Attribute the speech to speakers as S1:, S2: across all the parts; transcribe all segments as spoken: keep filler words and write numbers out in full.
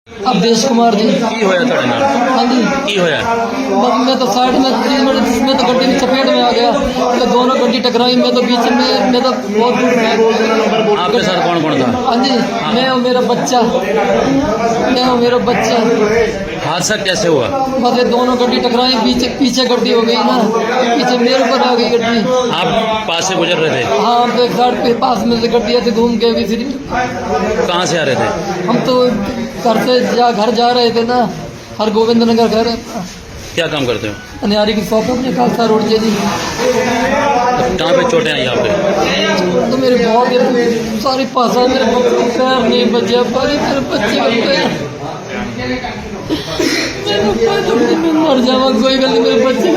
S1: अवधेश कुमार जी।
S2: की होया ਤੁਹਾਡੇ ਨਾਲ?
S1: हाँ जी।
S2: की होया?
S1: बस मैं तो साइड में थी, मैं मैं तो गड्डी की चपेट में आ गया, तो दोनों गड्डी टकराई, मैं तो बीच में, मैं तो बहुत दूर था।
S2: आपके साथ कौन कौन था?
S1: हाँ जी, मैं और मेरा बच्चा, मैं और मेरा बच्चा।
S2: हादसा कैसे हुआ?
S1: बस ये दोनों गड्डी टकराई, पीछे पीछे गड्डी हो गई ना, पीछे मेरे ऊपर आ गई गड्डी।
S2: आप पास से गुजर रहे थे?
S1: हाँ, तो एक साइड पे पास में से गड्डी ऐसे घूम के भी फिर
S2: कहाँ से आ रहे थे?
S1: हम तो घर से जा घर जा रहे थे ना, हर गोविंद नगर घर है।
S2: क्या काम करते हो?
S1: अनियारी की शॉप अपने खालसा रोड से जी।
S2: कहाँ पे चोटें आई आपके?
S1: तो मेरे बहुत ये सारी पासा मेरे पैर नहीं बचे, बाकी मेरे बच्चे बन गए। मैं मर जावा, कोई गल नहीं, मेरे बच्चे।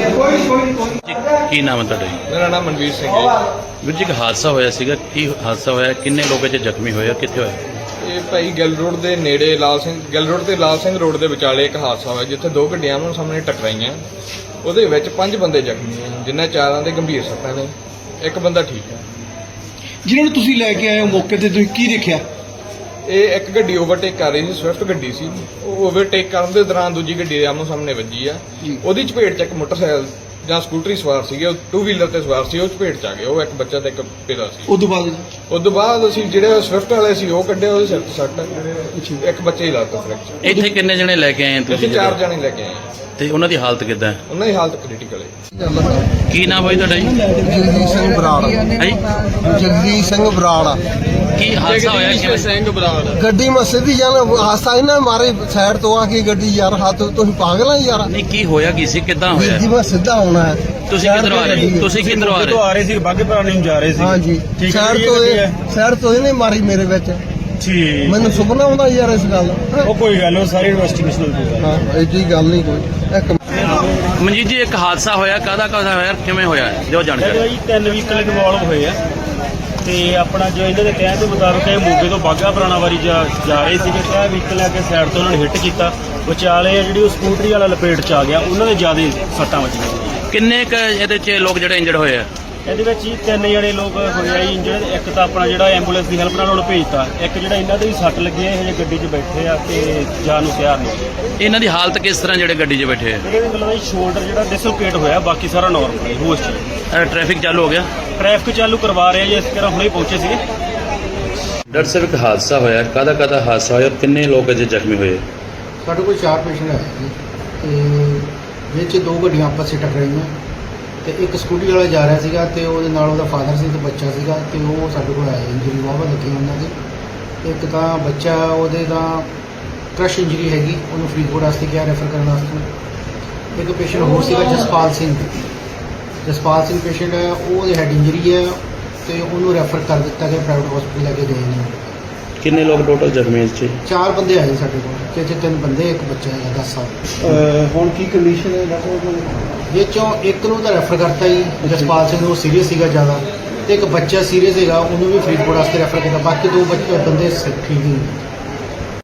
S2: ਕੀ ਨਾਮ ਹੈ ਤੁਹਾਡਾ?
S3: ਮੇਰਾ ਨਾਮ ਮਨਵੀਰ ਸਿੰਘ ਹੈ।
S2: ਵੀਰ ਜੀ, ਇੱਕ ਹਾਦਸਾ ਹੋਇਆ ਸੀਗਾ, ਕੀ ਹਾਦਸਾ ਹੋਇਆ? ਕਿੰਨੇ ਲੋਕ ਇਹ 'ਚ ਜ਼ਖਮੀ ਹੋਏ ਆ? ਕਿੱਥੇ ਹੋਇਆ?
S3: ਇਹ ਭਾਈ ਗਿੱਲ ਰੋਡ ਦੇ ਨੇੜੇ ਲਾਲ ਸਿੰਘ ਗਿੱਲ ਰੋਡ ਤੇ ਲਾਲ ਸਿੰਘ ਰੋਡ ਦੇ ਵਿਚਾਲੇ ਇੱਕ ਹਾਦਸਾ ਹੋਇਆ, ਜਿੱਥੇ ਦੋ ਗੱਡੀਆਂ ਆਮੋ ਸਾਹਮਣੇ ਟਕਰਾਈਆਂ। ਉਹਦੇ ਵਿੱਚ ਪੰਜ ਬੰਦੇ ਜ਼ਖਮੀ ਆ, ਜਿਨ੍ਹਾਂ ਚਾਰਾਂ ਦੇ ਗੰਭੀਰ ਸੱਟਾਂ ਨੇ, ਇੱਕ ਬੰਦਾ ਠੀਕ ਹੈ।
S4: ਜਿਹਨਾਂ ਨੂੰ ਤੁਸੀਂ ਲੈ ਕੇ ਆਏ ਹੋ ਮੌਕੇ ਤੇ, ਤੁਸੀਂ ਕੀ ਦੇਖਿਆ?
S3: ਇਹ ਇੱਕ ਗੱਡੀ ਓਵਰਟੇਕ ਕਰ ਰਹੀ ਸੀ, ਸਵਿਫਟ ਗੱਡੀ ਸੀ। ਉਹ ਓਵਰਟੇਕ ਕਰਨ ਦੇ ਦੌਰਾਨ ਦੂਜੀ ਗੱਡੀ ਦੇ ਆਮੋ ਸਾਹਮਣੇ ਵੱਜੀ ਆ। ਉਹਦੀ ਚਪੇਟ 'ਚ ਇੱਕ ਮੋਟਰਸਾਈਕਲ ਜਾਂ ਸਕੂਟਰੀ ਸਵਾਰ ਸੀਗੇ, ਉਹ ਟੂ ਵੀਲਰ ਤੇ ਸਵਾਰ ਸੀ, ਉਹ ਚਪੇਟ 'ਚ ਆ ਗਏ। ਉਹ ਇੱਕ ਬੱਚਾ ਤੇ ਇੱਕ ਪਿਤਾ ਸੀ।
S4: ਉਸ ਤੋਂ ਬਾਅਦ
S3: ਉਸ ਤੋਂ ਬਾਅਦ ਅਸੀਂ ਜਿਹੜੇ ਸਵਿਫਟ ਵਾਲੇ ਸੀ ਉਹ ਕੱਢੇ, ਉਹਦੇ ਸਿਰ 'ਤੇ ਸੱਟ, ਇੱਕ ਬੱਚੇ ਦੀ ਲੱਤ ਫ੍ਰੈਕਚਰ।
S2: ਇੱਥੇ ਕਿੰਨੇ ਜਣੇ ਲੈ ਕੇ ਆਏ ਆ
S3: ਅਸੀਂ
S2: ਤੁਸੀਂ?
S3: ਚਾਰ ਜਣੇ ਲੈ ਕੇ ਆਏ ਹਾਂ।
S2: ਤੇ ਉਹਨਾਂ ਦੀ ਹਾਲਤ ਕਿੱਦਾਂ ਹੈ?
S3: ਉਹਨਾਂ ਦੀ ਹਾਲਤ ਕ੍ਰਿਟੀਕਲ ਹੈ।
S2: ਕੀ ਨਾਮ ਹੈ ਤੁਹਾਡਾ ਜੀ?
S5: ਜਗਦੀਸ਼ ਸਿੰਘ ਬਰਾੜ।
S2: ਹੈ ਜੀ?
S5: ਜਗਦੀਸ਼ ਸਿੰਘ ਬਰਾੜ।
S2: ਕੀ ਹਾਦਸਾ ਹੋਇਆ? ਕਿਵੇਂ?
S3: ਸਿੰਘ ਬਰਾੜ।
S5: ਗੱਡੀ ਮੈਂ ਸਿੱਧੀ ਜਾਣਾ ਹਾਸਾ ਇਹਨਾਂ ਮਾਰੇ ਸਾਈਡ ਤੋਂ ਆ ਕੇ ਗੱਡੀ, ਯਾਰ ਹੱਥ ਤੁਸੀਂ ਪਾਗਲ ਆ ਯਾਰ।
S2: ਨਹੀਂ, ਕੀ ਹੋਇਆ? ਕੀ ਸੀ? ਕਿੱਦਾਂ ਹੋਇਆ?
S5: ਜੀ ਮੈਂ ਸਿੱਧਾ ਆਉਣਾ ਹੈ।
S2: ਤੁਸੀਂ ਕਿੱਧਰੋਂ ਆ ਰਹੇ? ਤੁਸੀਂ ਕਿੱਧਰੋਂ ਆ ਰਹੇ?
S6: ਆ ਰਹੇ ਸੀ, ਬਾਗੇ ਪੁਰਾਣੇ ਨੂੰ ਜਾ ਰਹੇ ਸੀ।
S5: ਹਾਂ ਜੀ,
S6: ਠੀਕ ਹੈ
S5: ਸਾਈਡ
S6: ਜੀ,
S5: ਤੋਂ
S6: ਇਹ
S5: ਇਹ ਸਾਈਡ ਤੋਂ ਇਹਨੇ ਮਾਰੀ ਮੇਰੇ ਵਿੱਚ।
S6: ਠੀਕ,
S5: ਮੈਨੂੰ ਸੁਪਨਾ ਆਉਂਦਾ ਯਾਰ ਇਸ ਗੱਲ ਦਾ।
S6: ਉਹ ਕੋਈ ਗੱਲ ਨਹੀਂ, ਸਾਰੀ ਇਨਵੈਸਟੀਗੇਸ਼ਨ ਹੋ ਜਾਊਗਾ।
S5: ਹਾਂ, ਐਡੀ ਗੱਲ ਨਹੀਂ ਕੋਈ। ਇੱਕ
S2: ਮਨਜੀਤ ਜੀ, ਇੱਕ ਹਾਦਸਾ ਹੋਇਆ, ਕਾਹਦਾ ਕਾਹਦਾ ਹੋਇਆ, ਕਿਵੇਂ ਹੋਇਆ? ਜੋ ਜਾਣਕਾਰੀ।
S6: ਜੀ ਤਿੰਨ ਵਹੀਕਲ ਇਨਵੋਲਵ ਹੋਏ ਆ ਤੇ ਆਪਣਾ ਜੋ ਇਹਨਾਂ ਦੇ ਕਹਿਣ ਦੇ ਮੁਤਾਬਕ ਇਹ ਮੋਗੇ ਤੋਂ ਬਾਗਾ ਪੁਰਾਣਾ ਵਾਰੀ ਜਾ ਜਾ ਰਹੇ ਸੀਗੇ ਤੇ ਇਹ ਵਹੀਕਲ ਆ ਕੇ ਸਾਈਡ ਤੋਂ ਉਹਨਾਂ ਨੇ ਹਿੱਟ ਕੀਤਾ। ਵਿਚਾਲੇ ਆ ਜਿਹੜੀ ਉਹ ਸਕੂਟਰੀ ਵਾਲਾ ਲਪੇਟ 'ਚ ਆ ਗਿਆ, ਉਹਨਾਂ ਦੇ ਜ਼ਿਆਦਾ ਸੱਟਾਂ ਵੱਜੀਆਂ।
S2: ਕਿੰਨੇ ਕ ਇਹਦੇ 'ਚ ਲੋਕ ਜਿਹੜੇ ਇੰਜਰਡ ਹੋਏ ਆ?
S6: ਇਹਦੇ ਵਿੱਚ ਹੀ ਤਿੰਨ ਜਣੇ ਲੋਕ ਹੋਏ ਆ ਜੀ ਇੰਜਰਡ। ਇੱਕ ਤਾਂ ਆਪਣਾ ਜਿਹੜਾ ਐਂਬੂਲੈਂਸ ਦੀ ਹੈਲਪ ਨਾਲ ਉਹਨੂੰ ਭੇਜਤਾ, ਇੱਕ ਜਿਹੜਾ ਇਹਨਾਂ ਦੇ ਵੀ ਸੱਟ ਲੱਗੀ ਹੈ, ਇਹ ਹਜੇ ਗੱਡੀ 'ਚ ਬੈਠੇ ਆ ਤੇ ਜਾਣ ਨੂੰ ਤਿਆਰ ਨਹੀਂ।
S2: ਇਹਨਾਂ ਦੀ ਹਾਲਤ ਕਿਸ ਤਰ੍ਹਾਂ ਜਿਹੜੇ ਗੱਡੀ 'ਚ ਬੈਠੇ ਆ?
S6: ਜਿਹੜੇ ਵੀ ਮਤਲਬ ਸ਼ੋਲਡਰ ਜਿਹੜਾ ਡਿਸਲੋਕੇਟ ਹੋਇਆ, ਬਾਕੀ ਸਾਰਾ ਨਾਰਮਲ ਹੈ, ਹੋਸ਼ 'ਚ।
S2: ਅਹ ਟ੍ਰੈਫਿਕ ਚਾਲੂ ਹੋ ਗਿਆ?
S6: ਟ੍ਰੈਫਿਕ ਚਾਲੂ ਕਰਵਾ ਰਹੇ ਆ ਜੀ, ਇਸ ਤਰ੍ਹਾਂ ਹੁਣੇ ਪਹੁੰਚੇ ਸੀਗੇ।
S2: ਡਾਕਟਰ ਸਾਹਿਬ, ਇੱਕ ਹਾਦਸਾ ਹੋਇਆ, ਕਾਹਦਾ ਕਾਹਦਾ ਹਾਦਸਾ ਹੋਇਆ, ਕਿੰਨੇ ਲੋਕ ਅਜੇ ਜ਼ਖਮੀ ਹੋਏ?
S7: ਸਾਡੇ ਕੋਲ ਚਾਰ ਪੇਸ਼ੈਂਟ ਆਏ ਜੀ, ਤੇ ਵਿੱਚ ਦੋ ਗੱਡੀਆਂ ਆਪਸ 'ਚ ਟਕਰਾਈਆਂ, ਤੇ ਇੱਕ ਸਕੂਟੀ ਵਾਲਾ ਜਾ ਰਿਹਾ ਸੀਗਾ ਤੇ ਉਹਦੇ ਨਾਲ ਉਹਦਾ ਫਾਦਰ ਸੀ ਤੇ ਬੱਚਾ ਸੀਗਾ, ਤੇ ਉਹ ਸਾਡੇ ਕੋਲ ਆਇਆ। ਇੰਜਰੀ ਵਾਹਵਾ ਲੱਗੀ ਉਹਨਾਂ ਦੀ। ਇੱਕ ਤਾਂ ਬੱਚਾ, ਉਹਦੇ ਤਾਂ ਕ੍ਰਸ਼ ਇੰਜਰੀ ਹੈਗੀ, ਉਹਨੂੰ ਫਰੀਦਕੋਟ ਵਾਸਤੇ ਕਿਹਾ ਰੈਫਰ ਕਰਨ ਵਾਸਤੇ। ਇੱਕ ਪੇਸ਼ੈਂਟ ਹੋਰ ਸੀਗਾ ਜਸਪਾਲ ਸਿੰਘ, ਜਸਪਾਲ ਸਿੰਘ ਪੇਸ਼ੈਂਟ ਹੈ, ਉਹਦੇ ਹੈਡ ਇੰਜਰੀ ਹੈ ਤੇ ਉਹਨੂੰ ਰੈਫਰ ਕਰ ਦਿੱਤਾ ਗਿਆ, ਪ੍ਰਾਈਵੇਟ ਹਸਪੀਟਲ ਲੈ ਕੇ ਗਏ ਨੇ।
S2: ਕਿੰਨੇ ਲੋਕ ਟੋਟਲ ਜ਼ਖਮੀ ਇਸ 'ਚ?
S7: ਚਾਰ ਬੰਦੇ ਆਏ ਸਾਡੇ ਕੋਲ, ਤੇ ਇੱਥੇ ਤਿੰਨ ਬੰਦੇ, ਇੱਕ ਬੱਚਾ ਹੈਗਾ ਦਸ ਸਾਲ।
S4: ਹੁਣ ਕੀ ਕੰਡੀਸ਼ਨ ਹੈ ਡਾਕਟਰ?
S7: ਵਿੱਚੋਂ ਇੱਕ ਨੂੰ ਤਾਂ ਰੈਫਰ ਕਰਤਾ ਜੀ, ਜਸਪਾਲ ਸਿੰਘ ਨੂੰ ਸੀਰੀਅਸ ਸੀਗਾ ਜ਼ਿਆਦਾ, ਤੇ ਇੱਕ ਬੱਚਾ ਸੀਰੀਅਸ ਹੈਗਾ, ਉਹਨੂੰ ਵੀ ਫਰੀਦਕੋਟ ਵਾਸਤੇ ਰੈਫਰ ਕੀਤਾ। ਬਾਕੀ ਦੋ ਬੱਚੇ ਬੰਦੇ ਠੀਕ ਹੀ ਨੇ।